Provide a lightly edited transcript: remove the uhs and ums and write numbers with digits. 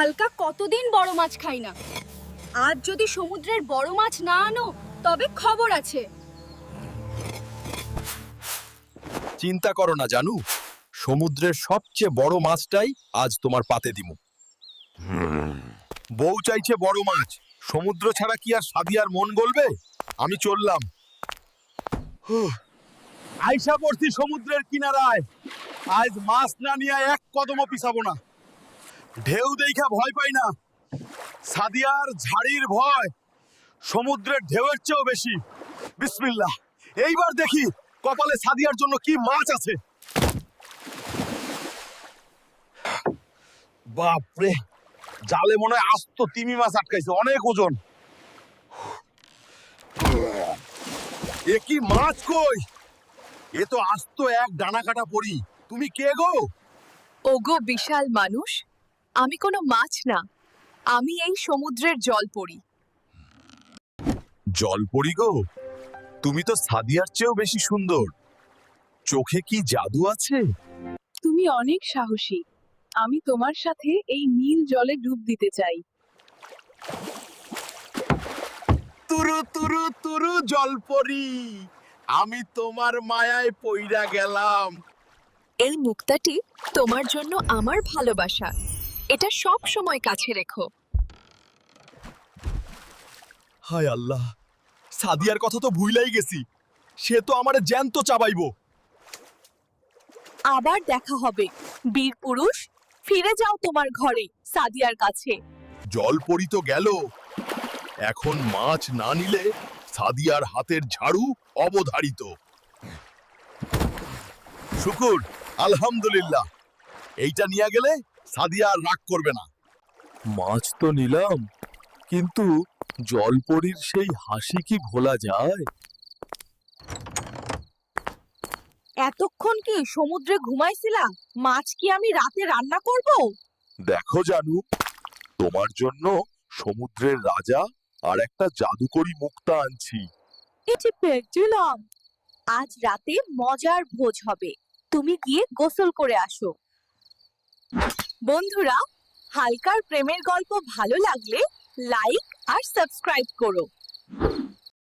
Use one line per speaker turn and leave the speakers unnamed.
হালকা কতদিন বড় মাছ খাই না। আজ যদি সমুদ্রের বড় মাছ না আনো তবে খবর আছে।
চিন্তা করো না জানু, সমুদ্রের সবচেয়ে বড় মাছটাই আজ তোমার পাতে দিমু। বউ চাইছে বড় মাছ, সমুদ্র ছাড়া কি আর সাদিয়ার মন গলবে? আমি চললাম। আইসা পড়ছি সমুদ্রের কিনারায়। আজ মাছ না নিয়ে এক কদমও পিছাবো না। ঢেউ দেখা ভয় পাই না, সাদিয়ার ঝাড়ির ভয় সমুদ্রের ঢেউয়ের চেয়েও বেশি। বিসমিল্লাহ, এইবার দেখি কপালে সাদিয়ার জন্য কি মাছ আছে। বাপরে, জালে মনে হয় আস্ত তিমি মাছ আটকাইছে, অনেক ওজন। এ কি মাছ কই? এ তো আস্ত এক ডানা কাটা পড়ি। তুমি কে গো?
ওগো বিশাল মানুষ, আমি কোনো মাছ না, আমি এই সমুদ্রের জলপরি।
জলপরি গো, তুমি তো সাদিয়ার চেয়েও বেশি সুন্দর। চোখে কি জাদু আছে?
তুমি অনেক সাহসী, আমি তোমার সাথে এই নীল জলে ডুব দিতে চাই।
তুরু তুরু তুরু জলপরি, আমি তোমার মায়ায় পইড়া গেলাম।
এই মুক্তাটি তোমার জন্য আমার ভালোবাসা, এটা সব সময় কাছে রেখো।
হায় আল্লাহ, সাদিয়ার কথা তো ভুইলাই গেছি। সে তো আমারে জ্যান্ত চাবাইবো।
আবার দেখা হবে বীর পুরুষ, ফিরে যাও তোমার ঘরে সাদিয়ার কাছে।
জলপরি তো গেল, এখন মাছ না নিলে সাদিয়ার হাতের ঝাড়ু অবধারিত। শুকুর, আলহামদুলিল্লাহ, এইটা নিয়ে গেলে সাদিয়া আর রাগ করবে না। মাছ তো নিলাম, কিন্তু জলপরির সেই হাসি কি ভোলা যায়?
এতক্ষণ কি সমুদ্রে ঘুমাইছিলা? মাছ কি আমি রাতে রান্না করব?
দেখো জানু, তোমার জন্য সমুদ্রের রাজা আর একটা জাদুকরি মুক্তা আনছি।
এটি পেয়েছিলাম। আজ রাতে মজার ভোজ হবে, তুমি গিয়ে গোসল করে আসো। বন্ধুরা, হালকার প্রেমের গল্প ভালো লাগলে লাইক আর সাবস্ক্রাইব করো।